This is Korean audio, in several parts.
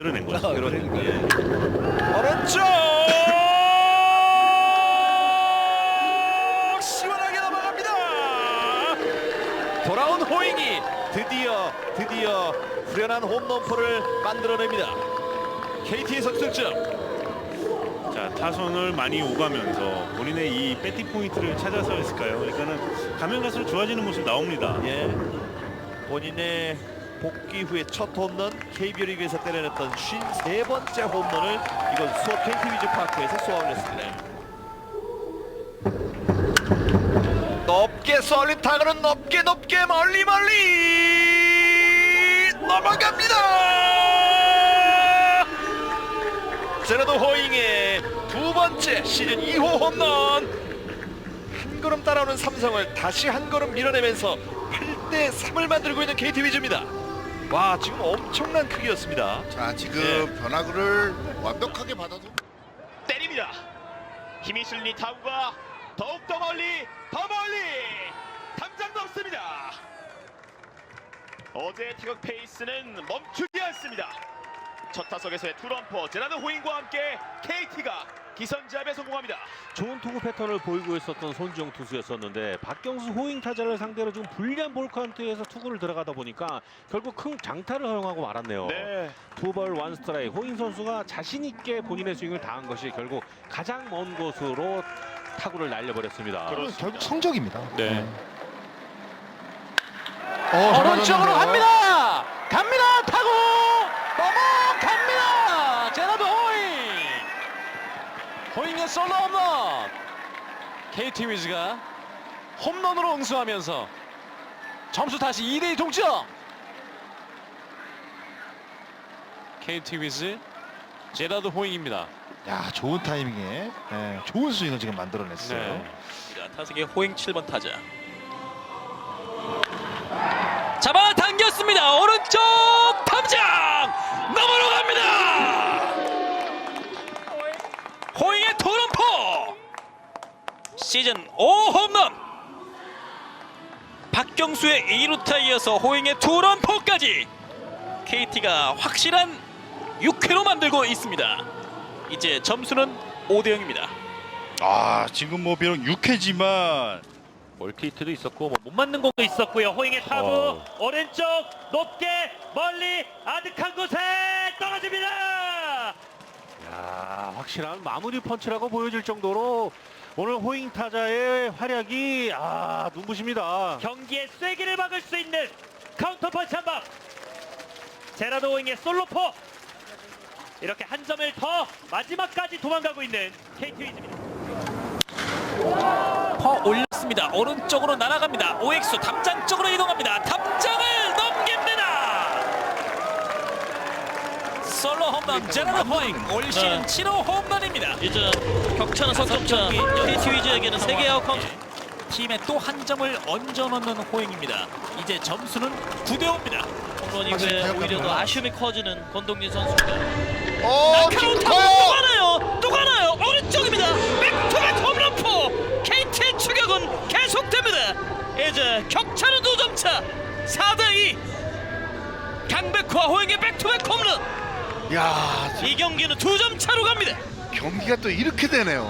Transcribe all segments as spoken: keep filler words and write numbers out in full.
낸 거죠. 아, 그러니까. 예. 오른쪽 시원하게 넘어갑니다. 돌아온 호잉이 드디어 드디어 후련한 홈런포를 만들어냅니다. 케이티의 석승점. 자, 타선을 많이 오가면서 본인의 이 배팅 포인트를 찾아서 했을까요? 그러니까는 가면 갈수록 좋아지는 모습 나옵니다. 예, 본인의 복귀 후에 첫 홈런, 케이비오 리그에서 때려냈던 쉰세 번째 홈런을 이건 수원 케이티 위즈 파크에서 쏘아올렸습니다 높게 쏠린 타구는 높게 높게 멀리 멀리 넘어갑니다. 제라도 호잉의 두 번째 시즌 이 호 홈런. 한 걸음 따라오는 삼성을 다시 한 걸음 밀어내면서 팔 대 삼을 만들고 있는 케이티 위즈입니다. 와, 지금 엄청난 크기였습니다. 자, 지금 네. 변화구를 완벽하게 받아서 때립니다. 힘이 실린 타구가 더욱더 멀리 더 멀리 당장 넘습니다. 어제의 타격 페이스는 멈추지 않습니다. 첫 타석에서의 투런포 제라드 호잉과 함께 케이티가 기선제압에 성공합니다. 좋은 투구 패턴을 보이고 있었던 손지영 투수였었는데 박경수 호잉 타자를 상대로 좀 불리한 볼 카운트에서 투구를 들어가다 보니까 결국 큰 장타를 허용하고 말았네요. 네. 투볼 원 스트라이크. 호잉 선수가 자신 있게 본인의 스윙을 다한 것이 결국 가장 먼 곳으로 타구를 날려버렸습니다. 결국 성적입니다. 네. 어, 오른쪽으로 갑니다. 갑니다. 타구 넘어갑니다. 제라드 호잉. 호잉의 솔로 홈런. 케이티 위즈가 홈런으로 응수하면서 점수 다시 이 대 이 동점. 케이티 위즈 제라드 호잉입니다. 야, 좋은 타이밍에 예, 좋은 스윙을 지금 만들어냈어요. 네. 타석의 호잉 칠 번 타자. 잡아당겼습니다. 오른쪽 탐장 넘어로 갑니다. 호잉의 투런포 시즌 오 홈런. 박경수의 이 루타 이어서 호잉의 투런포까지 케이티가 확실한 육 회로 만들고 있습니다. 이제 점수는 오 대 영입니다. 아, 지금 뭐 비록 육 회지만 멀티히트도 있었고 뭐 못 맞는 공도 있었고요. 호잉의 타구 어. 오른쪽 높게 멀리 아득한 곳에 떨어집니다. 야, 확실한 마무리 펀치라고 보여질 정도로 오늘 호잉 타자의 활약이 아 눈부십니다. 경기의 쐐기를 막을 수 있는 카운터 펀치 한 방. 제라드 호잉의 솔로포. 이렇게 한 점을 더 마지막까지 도망가고 있는 케이티 위즈입니다. 퍼 올렸습니다. 오른쪽으로 날아갑니다. 오엑스 담장 쪽으로 이동합니다. 담장을 넘깁니다. 솔로 홈런 제라드 호잉 올 시즌 칠 호 홈런입니다. 이제 격차는 석점차. 케이티 위즈에게는 세 개의 아웃 카운트. 팀에 또 한 점을 얹어 넣는 호잉입니다. 이제 점수는 구 대 오입니다. 홈런 이후에 오히려 더 아쉬움이 커지는 권동진 선수입니다. 어, 카운터 또 깊어요. 가나요? 또 가나요? 오른쪽입니다. 백투백 홈런포. 케이티의 추격은 계속됩니다. 이제 격차는 두 점 차. 사 대 이. 강백호와 호잉의 백투백 홈런. 야, 이 경기는 두 점 차로 갑니다. 경기가 또 이렇게 되네요.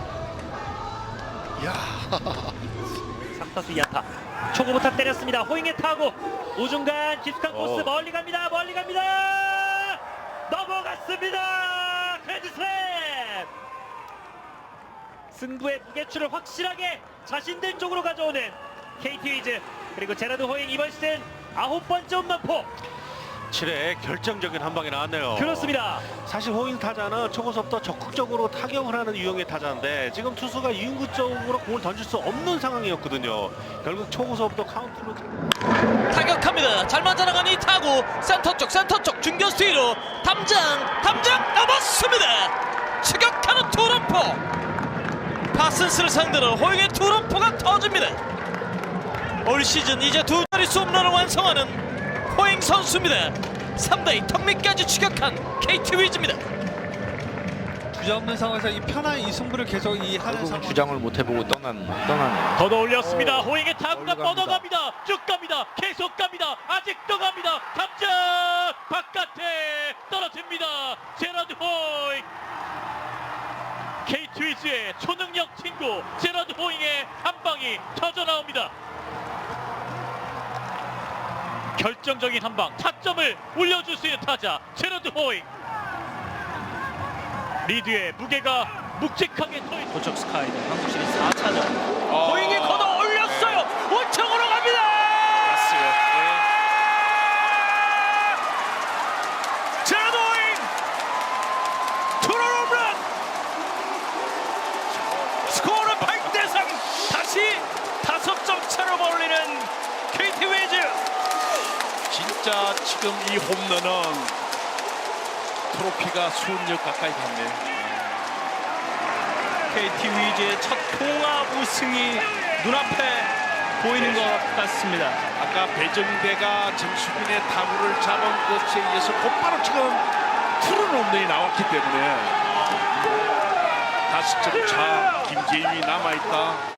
야, 삼 타수 이 안타. 초구부터 때렸습니다. 호잉의 타구 우중간 깊숙한 코스 멀리 갑니다. 멀리 갑니다. 넘어갔습니다. 그랜드슬램. 승부의 무게추를 확실하게 자신들 쪽으로 가져오는 케이티 위즈. 그리고 제라드 호잉 이번 시즌 아홉 번째 홈런포. 칠 회 결정적인 한 방이 나왔네요. 그렇습니다. 사실 호잉 타자는 초고속도 적극적으로 타격을 하는 유형의 타자인데 지금 투수가 이윤구 쪽으로 공을 던질 수 없는 상황이었거든요. 결국 초고속도 카운트로 타격합니다. 잘 맞아나간 이 타구 센터 쪽 센터 쪽 중견수 뒤로 담장 담장 넘었습니다. 추격하는 투런포. 파슨스를 상대로 호잉의 투런포가 터집니다. 올 시즌 이제 두 자릿수 홈런을 완성하는 호잉 선수입니다. 삼 대 이 턱밑까지 추격한 케이티 위즈입니다. 주저없는 상황에서 이 편한 이 승부를 계속 이 하는 상황. 주장을 못 해보고 떠난 떠나네요. 걷어 올렸습니다. 호잉의 타구가 멀리 갑니다. 뻗어갑니다. 쭉 갑니다. 계속 갑니다. 아직도 갑니다. 탐장 바깥에 떨어집니다. 제라드 호잉. 케이티 위즈의 초능력 친구 제라드 호잉의 한 방이 터져 나옵니다. 결정적인 한 방, 타점을 올려줄 수 있는 타자 제라드 호잉. 리드의 무게가 묵직하게 서 있는 도적 스카이는 한국 시리즈 사 차전. 호잉이 걷어 올렸어요. 우측으로 갑니다. 맞어요. 제라드 호잉 투런 홈런. 스코어는 팔 대 삼. 다시 다섯 점 차로 벌리는 케이티 위즈. 진짜 지금 이 홈런은 트로피가 수억 가까이 갔네요. 케이티 위즈의 첫 통합 우승이 눈앞에 보이는 것 같습니다. 아까 배정대가 정수빈의 타구를 잡은 것에 의해서 곧바로 지금 푸른 홈런이 나왔기 때문에 다섯 점 차 김재윤이 남아있다.